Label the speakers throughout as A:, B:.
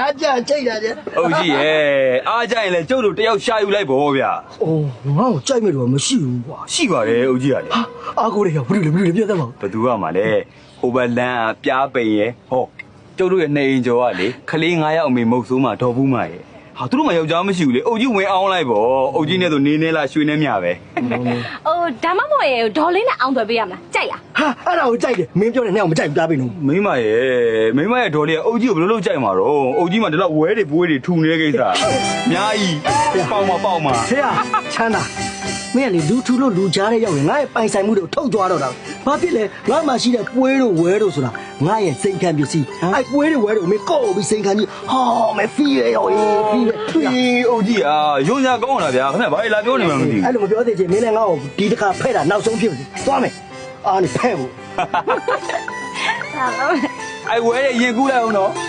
A: အားကြကြိတ်တာကြ
B: ဟုတ်ကြီးရဲ့အားကြရင်လည်းကျုပ်တို့တယောက်ရှာယူလိုက်ပေါ့ဗျာ
A: အိုးငါ့ကိုကြိုက်မဲ့တော့မရှိဘူးကွာ
B: ရှိပါတယ်ဟုတ်ကြီးကလေ
A: အားကိုရရောက်ဘယ်လိုလဲပြတ်သားပါ
B: ဘသူကမှလည်းဟိုဘလန်းကပြားပိန်ရဲ့ဟောကျုပ်တို့ရဲ့နေအိမ်ကျော်ကလေခလေး9ယောက်အမေမုတ်ဆိုးမှဒေါ်ဘူးမရဲ့ဟာသူတို့မှယောက်ျားမရှိဘူးလေအုတ်ကြီးဝင်အောင်လိုက်ပေါ့အုတ်ကြီးနဲ့ဆိုနေနေလားရွှေနေမြပဲ
C: အိုးဒါမှမဟုတ်ရဲ့ဒေါ်လေးနဲ့အောင်သွယ်ပေးရမလားကြိုက်လား
A: ဟာအဲ့ဒါကိုကြိုက်တယ်မင်းပြောတဲ့နဲ့အောင်မကြိုက်ဘူးပြားပိနော်
B: မိမရဲ့ဒေါ်လေးကအုတ်ကြီးကိုဘယ်လိုလုပ်ကြိုက်မှာတော့အုတ်ကြီးမှဒီလောက်ဝဲတွေပွေးတွေထူနေတဲ့ကိစ္စအများကြီးပေါက်မှာ
A: ဆရာချမ်းသာမင်းကလေလူထူလို့လူကြားတဲ့ရောက်ရင်ငါရဲ့ပိုင်ဆိုင်မှုတွေကိုထုတ်ကြွားတော့တာဘာဖြစ်လဲငါမှရှိတဲ့ပွဲတို့ဝဲတို့ဆိုတာငါရဲ့စိန်ခံပစ္စည်းအဲ့ပွဲတွေဝဲတို့မင်းကော့ပြီးစိန်ခံပြီးဟောမဲဖီးရရောဖီးရ
B: အုတ်ကြီးရုံညာကောင်းလာဗျာခင်ဗျဘာလာပြောနေမှမသိဘူး
A: အဲ့လိုမပြောသေးချင်မင်းလည်းငါ့ကိုဒီတစ်ခါဖဲ့တာနောက်ဆုံးဖြစ်ပြီသွားမယ်အားနေဖဲ့ဖို့
B: အဲ့ဝဲရဲ့ရင်ကူးလိုက်အောင်နော်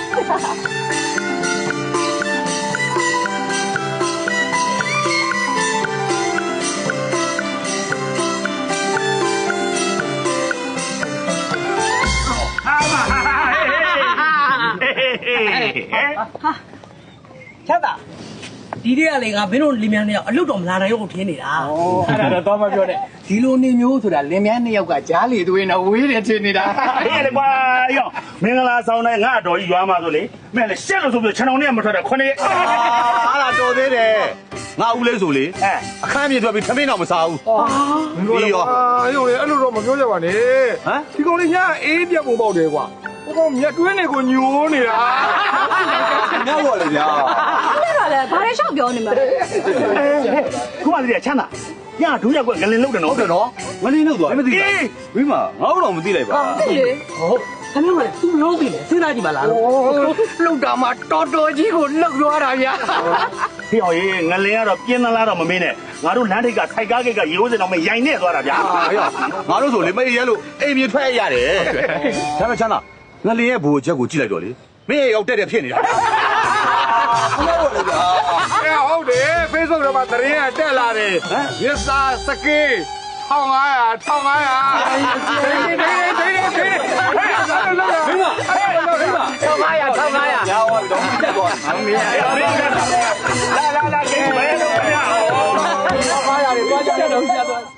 D: ချတ်တာဒီတည်းကလေငါမင်းတို့လင်မြန်းနှစ်ယောက်အလုတ်တော်မလာနိုင်ဘူးထင်းနေတာ
E: အဲ့ဒါတော့မပြောနဲ့ဒီလိုနေမျိုးဆိုတာလင်မြန်းနှစ်ယောက်ကကြားလေသွေးနဲ့ဝေးတယ်ထင်နေတာ
F: ဟေးလေကွာရောမင်္ဂလာဆောင်တိုင်းငါတော်ကြီးရွာမှာဆိုလေမဲ့လေရှက်လို့ဆိုပြီးခြံတော်နဲ့မထွက်တာ9ရက်
E: အားလာတော်သေးတယ်ငါဦးလေးဆိုလေအခန်းပြေထွက်ပြီးထမင်းတော့မစားဘူး
G: မင်းတို့လည်းရုံလေအဲ့လိုတော့မပြောကြပါနဲ့ဒီကောင်လေးညာအေးပြတ်ပုံပေါက်တယ်ကွာဟိုကောင်မြက်တွင်းတွေကိုညိုးနေတာ
B: ညောက်ပါလေဗျာ
C: အဲ့ဒါလည်းဘာလဲရှောက်ပြောနေမှာ
F: ခုမှတည်းချမ်းသာညဒူးရက်ကွငလင်လုတ်တယ်နော်
E: ဟုတ်တယ်နော်
B: ငလင်းလုတ်သွားမသိဘူးမိမငါတော့မသိလိုက်ပါ
C: ဟုတ်လေ
D: ဟုတ်ခမင်းကလည်းသူ့လုံးပြီလေစဉ်းစားကြည့်ပါလား
E: လှုပ်တာမှတော်တော်ကြီးကိုလှုပ်သွားတာဗျာ
F: ဟေးဟောရေငလင်ကတော့ပြင်းသလားတော့မမင်းနဲ့ငါတို့လမ်းထိပ်ကခိုက်ကားကိတ်ကရိုးစင်တော့မရိုင်နေသွားတာဗျာ
E: ငါတို့ဆိုလေမအေးရဲလို့အိမ်မြေထွက်ရတယ်ချမ်းသာငလင်ရဲ့ဘူချက်ကိုကြည့်လိုက်တော့လေမင်းရောက်တက်ဖြစ်နေတာ
G: ဟုတ်တယ် Facebook ထဲမှာသတင်းကတက်လာတယ်ရစ်စာစကေး1500
B: ရပါတော့တက်သွားအမေ
F: လာကိတ်မဲတော့ဗျာ
G: 1500တွေသွားကြတော့ဆက်သွား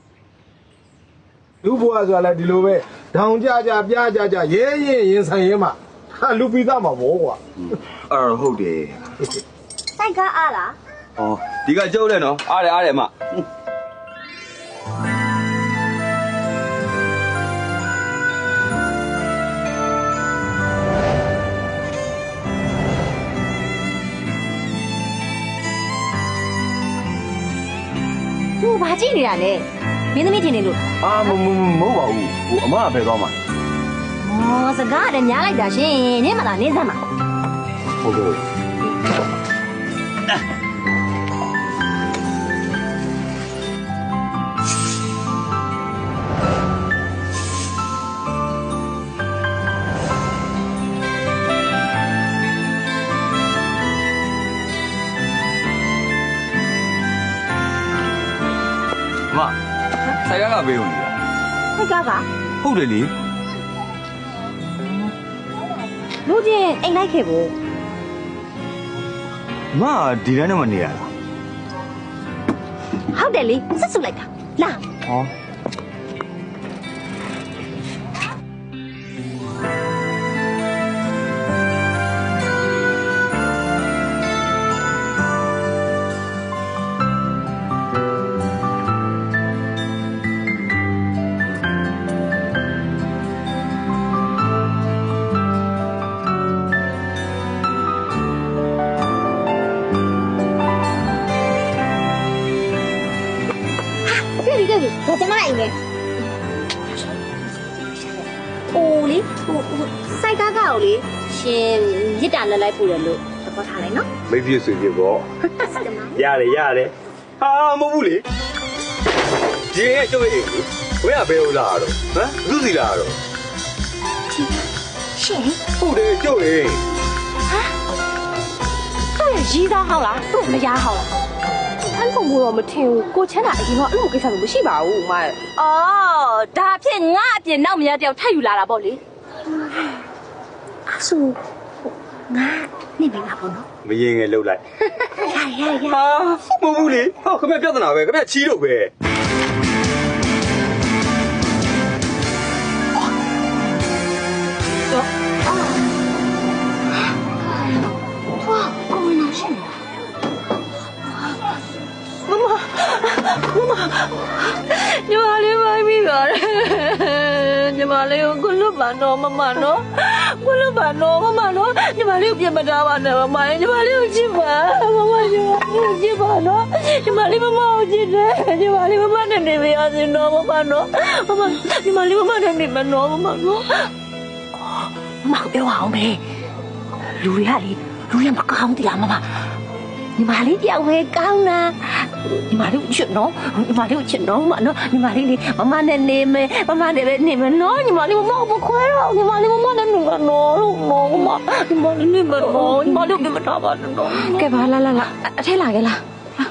G: လူဘွားဆိုတာလည်းဒီလိုပဲဒေါင်ကြပြားကြရဲရင်ဆိုင်ရဲမှာလူပိသားမှာဘောကွာ
B: ဟုတ်တယ်
C: စိုက်ကားအားလား
B: ဒီကကျုပ်လည်းနော်အားတယ်အမ
C: သူဘာကြည့်နေတာလဲမင်းသမီးထင်နေလို့
B: မဟုတ်ပါဘူးအမကဖယ်သွားမှာ
C: စကားလည်းညားလိုက်တာရှင်နင်းမလားနင်းစမ်းပါ
B: ဟုတ်ကဲ့ဆိုင်ကားကဘေးဝင်နေတာ
C: ဆိုင်ကားက
B: ဟုတ်တယ်လေ
C: လူချင်းအိမ်လိုက်ခဲ့ဘူး
B: မဒီတိုင်းတော့မနေရလား
C: ဟုတ်တယ်လေဆက်စုလိုက်တာလာ我怎么来的？哦哩，晒嘎嘎哩，先一单的来不人喽，这包他来喏。
B: 没必随便过。ရတယ်ဟာမဟုတ်ဘူးလေဒီရဲ့ကျုပ်ရဲ့ဝဲရဘယ်လိုလာတော့ဟမ်လူစီလာတော့
C: ရှင်
B: ဟုတ်တယ်ကျုပ်ရဲ့
C: ဟာသူ့ရဲ့ရီးသားဟောက်လားသူ့မရားဟောက်လားအဲ့လိုမျိုးတော့မထင်ဘူးကိုချမ်းသာအရင်တော့အဲ့လိုကိစ္စမျိုးမရှိပါဘူးမအော်ဒါဖြစ်ငါအပြင်နောက်မရတယောက်ထပ်ယူလာတာပေါ့လေအဲ့ဆိုငါနေပြီလားပေါ့နော်
B: မရင်ငယ်လှုပ်လိုက်
C: ရ
B: ဟာမဟုတ်ဘူးလေဟောခင်ဗျပြဿနာပဲခင်ဗျချီးတော့ပဲ
C: ကိုဝင်လာရှင်မမညီမလေးမိုင်းပြီးပါတယ်ညီမလေးကိုလွတ်ပါတော့မမနော်ကိုလွတ်ပါတော့မမနော်ညီမလေးကိုပြင်မထားပါနဲ့မမညီမလေးကိုချစ်ပါမမညီမလေးကိုချစ်ပါနော်ညီမလေးမမကိုချစ်တယ်ညီမလေးမမနဲ့နေမရစေတော့မမနော်မမညီမလေးမမနဲ့နေမနော်မမနော်မမပြောအောင်ပဲလူတွေကလေလူရမကောင်းတရားမမညီမလေးတယောက်ပဲကောင်းတာညီမလေးကိုချစ်နော်ညီမလေးကိုချစ်နော်မနော်ညီမလေးလေမမနဲ့နေမယ်မမနဲ့ပဲနေမယ်နော်ညီမလေးမမကိုခွဲတော့ညီမလေးမမနဲ့နေမနော်လို့နော်မညီမလေးနေမနော်ညီမလေးကိုမထားပါနဲ့နော်ကဲပါလာအထဲလာခဲ့လား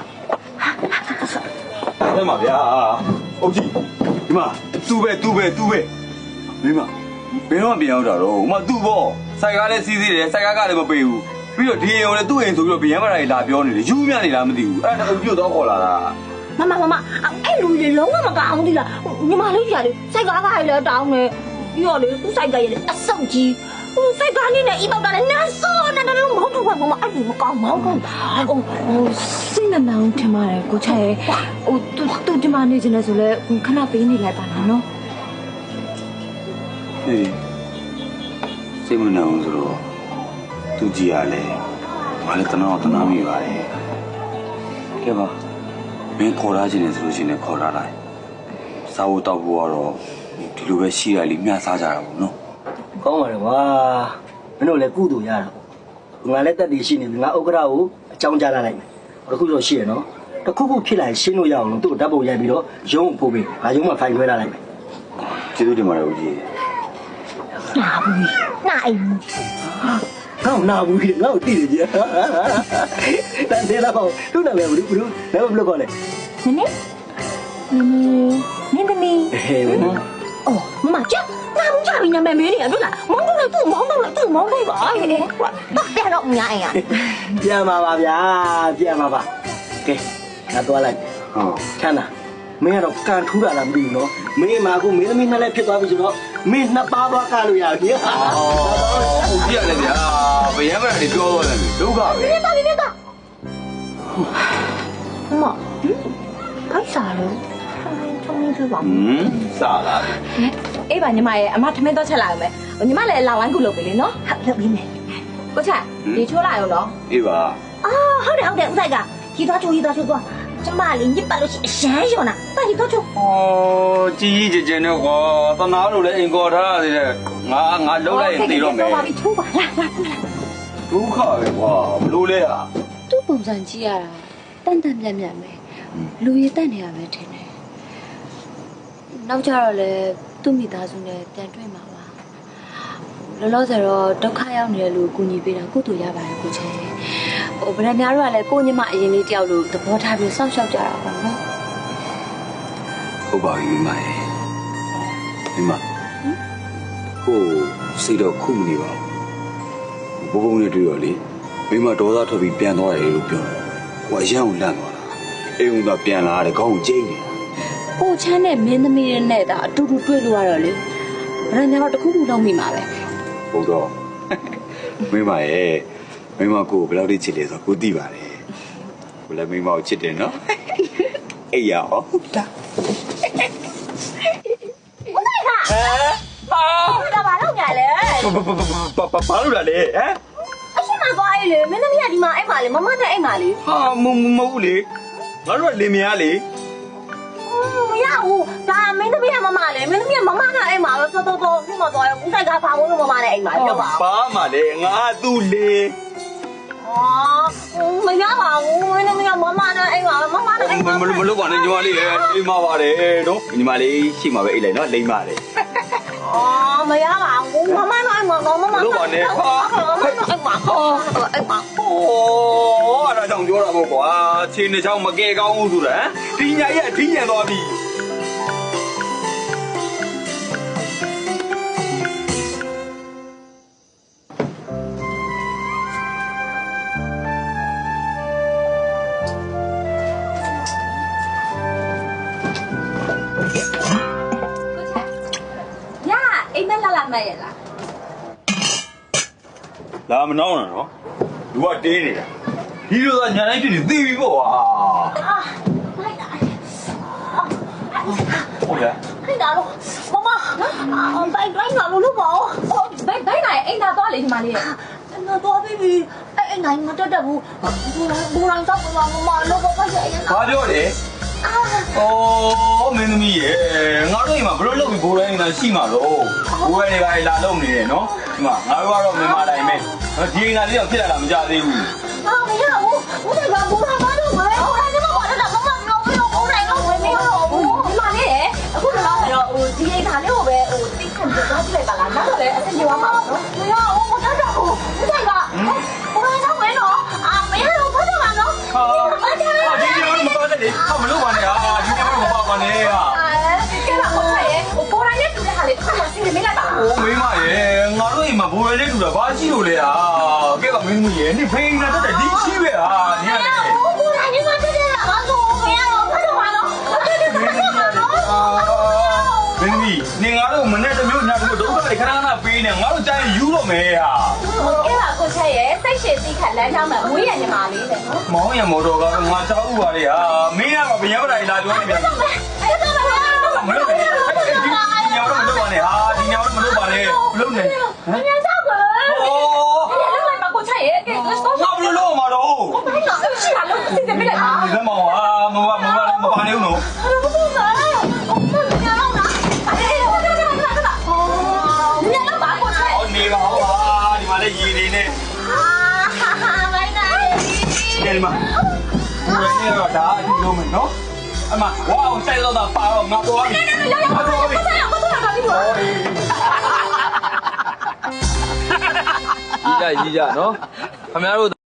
B: အဲ့မှာဗျာအုတ်ကြီးဒီမှာသူ့ပဲမင်းမဘယ်တော့ပြန်ရောက်တာတော့ဟိုမှာသူ့ပေါ့စိုက်ကားလည်းစီးသေးတယ်စိုက်ကားကလည်းမပေးဘူးပြီးတော့ဒီအိမ်ကိုလည်းသူ့အိမ်ဆိုပြီးတော့ဗျံမရာကြီးလာပြောနေတယ်ယူမြနေလားမသိဘူးအဲ့ဒါအုတ်ကြီးတော့ခေါ်လာတာ
C: မအဲ့လူတွေလုံးဝမကောင်းဘူးလားညီမလေးကြီးကလေစိုက်ကားကလည်းတောင်းနေပြီးတော့လေသူ့စိုက်ကလည်းအဆုတ်ကြီးစိုက်ကားနေနဲ့အိမ်ပေါက်တာလည်းနန်းစောနေတယ်လို့မဟုတ်ဘူးကွာမအဲ့ဒီမကောင်းပါဘူးစိတ်နဲ့နောင်ထင်ပါတယ်ကိုချဲဟိုသူဒီမှာနေချင်တယ်ဆိုလဲခဏပေးနေလိုက်ပါလားနော်
B: ဟေးစိတ်မနှောင်ဆိုတော့သူကြည်ရလဲဘာလဲတနာမိပါတယ်ကဲပါမင်းခေါ်လာခြင်းနဲ့ဆိုလို့ရှိရင်ခေါ်လာလိုက်စားဖို့တောက်ဖို့ကတော့ဒီလိုပဲရှိရလိမျှစားကြတာပေါ့နော်
A: ကောင်းပါလေကွာမင်းတို့လည်းကုသိုလ်ရတာငါလည်းတက်တည်ရှိနေပြီငါဥက္ကရာကိုအကြောင်းကြားလိုက်မယ်တခုတော့ရှိရနော်တခုခုဖြစ်လာရှင်းလို့ရအောင်လို့သူ့ဓာတ်ပုံရိုက်ပြီးတော့ရုံးဖို့ပေးငါရုံးမှာဖိုင်ခွဲထားလိုက်မယ်
B: ကျေးဇူးတင်ပါတယ်ဦးကြီး
C: နာဘူးနာအိမ်
A: ငါ့နာဘူးကြီးငါ့ကိုတိတယ်ကြီးတန်သေးလားပေါ့သူ့နာမည်ဘူးလည်းဘယ်လိုခေါ်လဲ
C: နင်းသမီးအော်မမကြောက်နာဘူးကြပြီနာမည်မေးနေရတွေ့လားမောင်းတော့သူ့မောင်းတော့ပါဟဲ့ပြန်တော့ညာအိမ်อ่ะ
A: ပြန်ပါပါဗျာပြန်ပါပါကဲငါသွားလိုက်
B: ဟုတ်
A: ချမ်းသာမင်းကတော့ကန်ထူးတာလားမသိဘူးနော်မင်းမှာကိုမင်းသမီးနှစ်လက်ဖြစ်သွားပြီဆိုတော့မင်းနှစ်ပါးသွားကလို့ရပြီဟာ
B: ဦးကြီးရလဲဗျာဗျံမရာကြီးပြောတော့တယ်ဒုက္ခပဲ
C: နေတော့မခိုက်စားလို့ချုံနေသေးပါဘူး
B: စားလာပြီ
C: အေးပါညီမရဲ့အမထမင်းတော့ချက်လာအောင်မယ်ညီမလည်းလာဝိုင်းကူလုပ်ပြီလေနော်ဟုတ်လုပ်ပြီးမယ်ကိုချဒီချိုးလာရောနော်
B: အေးပါ
C: အာဟုတ်တယ်ဥဆိုင်ကကြီးသွားချိုးသွားကျမလေးညစ်ပတ်လို့ရှိအရန်ရောနာတာကြီးတော့ချိုး
B: ဩကြီးကြီးကျယ်နဲ့ကွာတနာလို့လည်းအိမ်ကော်ထားရသေးတယ်ငါလုံးလိုက်ရင်သိတော့မယ်
C: ပါပြီချိုးပါလာ
B: ဒုက္ခပဲကွာဘလို့လဲဟာ
H: သူ့ပုံစံကြည့်ရတာတန်မြတ်ပဲလူရည်တက်နေရပဲထင်တယ်နောက်ကြတော့လေသူ့မိသားစုနဲ့ပြန်တွေ့မှာပါလောလောဆယ်တော့ဒုက္ခရောက်နေတဲ့လူကိုကူညီပေးတာကုသိုလ်ရပါတယ်ကိုချေဟိုဗရန်များတို့ကလည်းကိုညီမအရင်လေးတယောက်လိုသဘောထားပြီးစောင့်ရှောက်ကြတာပေါ့နော်
B: ဟုတ်ပါပြီမိမဟိုစိတ်တော့ခုမနေပါဘူးဘုံနဲ့တွေ့တော့လေမိမဒေါသထွက်ပြီးပြန်သွားတယ်လို့ပြောတယ်ဟိုအရန်ကိုလန့်သွားတာအိမ်ကပြန်လာတယ်ခေါင်းကိုကျိန်းနေတာ
H: ကိုချမ်းနဲ့မင်းသမီးရဲ့နဲ့ဒါအတူတူတွေ့လို့ရတော့လေဗရန်များတော့တခုခုလုံးမိမှာပဲ
B: ဟုတ်တော့မိမရဲ့မိမကိုဘယ်လောက်ထိချစ်လဲဆိုတော့ကိုသိပါတယ်ကိုလည်းမိမကိုချစ်တယ်နော်အေးရအောင်ဒါ
C: ဒါပါတော့ကြလေ
B: ဘာလို့လဲဟမ်
C: အရှိမသွားလေမင်းသမီးကဒီမှာအိမ်မှာလေမမနဲ့အိမ်မှာလေ
B: ဟာမဟုတ်ဘူးလေငါတို့ကလင်မယားလေ
C: မရဘူးဒါမင်းသမီးကမမလေမင်းသမီးကမမနဲ့အိမ်မှာတော့တော်ဒီမှာသွားရဦးဆိုင်ကဖာမိုးလို့မမနဲ့အိမ်မှာပြောပါ
B: ဘာမှလေငါသူ့လေ
C: မရပါဘူးမင်းသမီးကမမနဲ့အိမ်မှာမမနဲ့အိမ်မှာ
B: မလုပ်ပါနဲ့ညီမလေးလေအိမ်မှာပါတယ်နော်ညီမလေးရှိမှာပဲအိမ်လိုက်နော်လိမ့်ပါတယ်
C: မရပါဘူးမမနဲ့အိမ်မှာတော့မမ
B: လုပ်ပါနဲ့ဟာ
C: အိမ်မှာအိမ်မှာ
B: โอ้အဲ့ဒါကြောင့်ပြောတာပေါ့ကွာခြေနှစ်ချောင်းမကဲကောင်းဘူးဆိုတာဒီညာကြီးအထီးညံသွားပြီ
C: လိုက်ရလား
B: လာမနှောင်းနဲ့နော်လူကတင်းနေတာဒီလိုသာညာတိုင်းဖြစ်နေသိပြီပေါ့ကွာ
C: လိုက်တာ
B: ဟုတ်လား
C: ခိုင်တာလို့မမဘိုင်တိုင်းလာလို့မအောင်ဘိုင်နိုင်အိမ်သာသွားလေဒီမလေးနော်တော့ပြီအဲ့နိုင်မတက်တက်ဘူးဘူရန်တော့မမလောဘပါရဲ့
B: ဘာပြောလဲမင်းသမီးရေငါတို့အိမ်မှာဘလို့လုပ်ပြီးဘိုးတိုင်းနေတာရှိမှာတော့ဘိုးတွေကလာလုပ်နေတယ်နော်ဒီမှာငါတို့ကတော့မြန်မာတိုင်းပဲဒီအိမ်သားလေးတော့ဖြစ်လာတာမကြသေးဘူး
C: မရဘူးဦးတွေကဘူရန်မလို့ပဲဘူရန်ကမပေါ်တော့မမပြောဘူးဘူရန်ကဝင်နေတော့ဘူးဒီမလေးရဲ့အခုတော့ဒီအိမ်သားလေးကိုပဲတိခန့်ပြသွားကြည့်လိုက်ပါလားနောက်တော့လည်းအဆင်ပြေသွားမှာနော်မရဘူးမတက်တော့ဘူးဦးတွေကဘူရန်တော့ဝင်တော့မရတော့ဘာတော့မှာနော်
B: ဒီလိုမပေါ်တဲ့လေမလို့ပါနဲ့ဒီနေ့မပေါ်ပါနဲ့
C: ကဲပါခေါ်ထားရဲ့ပေါ်တိုင်းနဲ့တူတဲ့ဟာလေးတစ်ခါမှစီးနေမိလိုက်ပါ
B: အိုးမိမရေငါတို့အိမ်မှာဘိုးရဲလေးတူတာဘာရှိလို့လဲကဲပါမင်းသမီးရေနေဖိနေတတ်တယ်ဒီရှိပဲညနေ
C: ပေါ်တိုင်းနဲ့မတက်တဲ့ဟာဆိုမရတော့ဘာတော့မှာနော်တက်တဲ့ဘာတော့မှာနော်
B: မင်းသမီးနေငါတို့မနဲ့တစ်မျိုးညတို့ဒုက္ခတွေခဏခဏပေးနေငါတို့တိုင်းယူတော့မယ်ဟာ
C: ကဲပါကိုချက်ရဲ့စိတ်ရှည်သိခက်လမ်းကြောင်းမှာဝေးရညီမလေးတဲ့နော်
B: မောင်ရမော်တော်ကငါချောက်ဥပါလေဟာမင်းကဗျာပါတိုင်းလာပြောနေပြန်
C: အဲ့တော့
B: မလို့လေဒီညောင်တော့မလုပ်ပါနဲ့ဟာဒီညောင်တော့မလုပ်ပါနဲ့မလုပ်နဲ့
C: မင်းတော့ကောဒီလည်းမကိုချက်ရဲ့ကဲတော့
B: ငါဘလို့လို့မှာတော့
C: ဘာလို့ရှိတာလို့စီးနေမိလိုက်ပါ
B: ဒီမောင်ဟာမပါနေဦးနော်
C: ဘာလို့လဲညတော့လားအဲ့ဒါညတော့ဘာကိုချက်
B: ဟောနေပါဟာဒီမှာလည်းရည်နေနဲ့
C: မိုင်းနိုင်
B: ကဲဒီမှာဘယ်နဲ့တော့ဒါအတူလုံးမယ်နော်အမဝါအောင်စိုက်တော့တာပါတော့ငါပေါ်ပြီ
I: ကြီးကြနော်ခင်ဗျားတို့